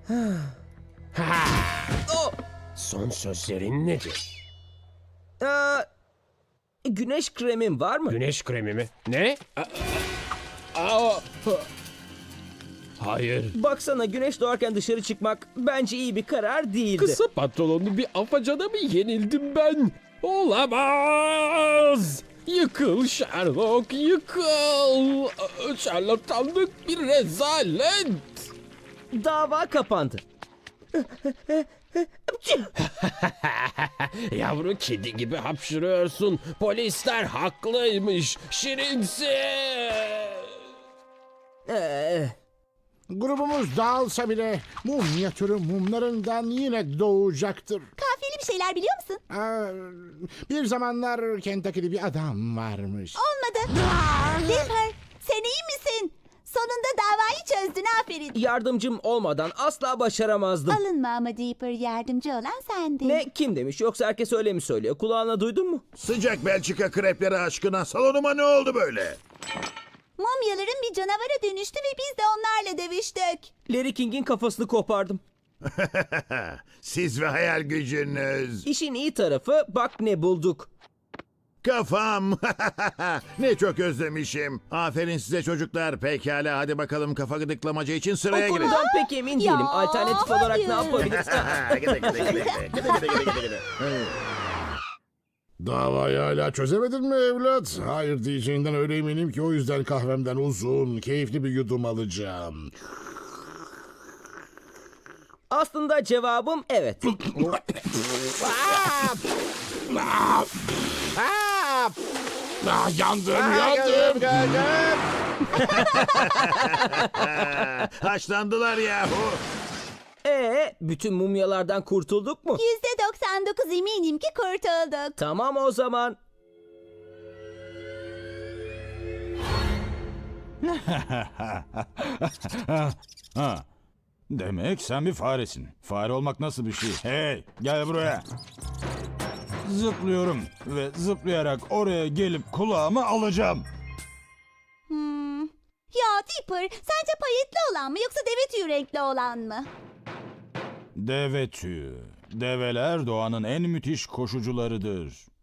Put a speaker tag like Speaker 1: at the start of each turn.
Speaker 1: Oh!
Speaker 2: Son sözlerin nedir?
Speaker 1: Güneş kremin var mı?
Speaker 2: Güneş kremi mi? Ne? Aa, hayır.
Speaker 1: Baksana, güneş doğarken dışarı çıkmak bence iyi bir karar değildi.
Speaker 2: Kısa pantolonlu bir afacana mı yenildim ben? Olamaz! Yıkıl Sherlock, yıkıl! Şarlatanlık bir rezalet!
Speaker 1: Dava kapandı.
Speaker 2: Yavru kedi gibi hapşırıyorsun. Polisler haklıymış. Şirinsin.
Speaker 3: Grubumuz dağılsa bile mum minyatürü mumlarından yine doğacaktır.
Speaker 4: Kafiyeli bir şeyler biliyor musun?
Speaker 3: Bir zamanlar Kentucky'de bir adam varmış.
Speaker 4: Olmadı. Dipper, sen iyi misin? Sonunda davayı çözdün, aferin.
Speaker 1: Yardımcım olmadan asla başaramazdım.
Speaker 4: Alınma ama Dipper, yardımcı olan sendin.
Speaker 1: Ne, kim demiş, yoksa herkes öyle mi söylüyor? Kulağına duydun mu?
Speaker 5: Sıcak Belçika krepleri aşkına salonuma ne oldu böyle?
Speaker 4: Mumyaların bir canavara dönüştü ve biz de onlarla dövüştük.
Speaker 1: Larry King'in kafasını kopardım.
Speaker 5: Siz ve hayal gücünüz.
Speaker 1: İşin iyi tarafı, bak ne bulduk.
Speaker 5: Kafam. Ne çok özlemişim. Aferin size çocuklar. Pekala hadi bakalım kafa gıdıklamacı için
Speaker 1: O
Speaker 5: sıraya girin.
Speaker 1: konudan pek emin değilim. Alternatif olarak ne
Speaker 4: hayır.
Speaker 1: yapabiliriz?
Speaker 3: Davayı hala çözemedin mi evlat? Hayır diyeceğinden öyle eminim ki o yüzden kahvemden uzun, keyifli bir yudum alacağım.
Speaker 1: Aslında cevabım evet.
Speaker 3: Yandım.
Speaker 5: Haşlandılar yahu.
Speaker 1: Bütün mumyalardan kurtulduk mu?
Speaker 4: %99 eminim ki kurtulduk.
Speaker 1: Tamam o zaman.
Speaker 6: Ha. Demek sen bir faresin. Fare olmak nasıl bir şey? Hey, gel buraya. Zıplıyorum ve zıplayarak oraya gelip kulağımı alacağım.
Speaker 4: Ya Dipper, sence payetli olan mı yoksa deve tüyü renkli olan mı?
Speaker 6: Deve tüyü. Develer doğanın en müthiş koşucularıdır.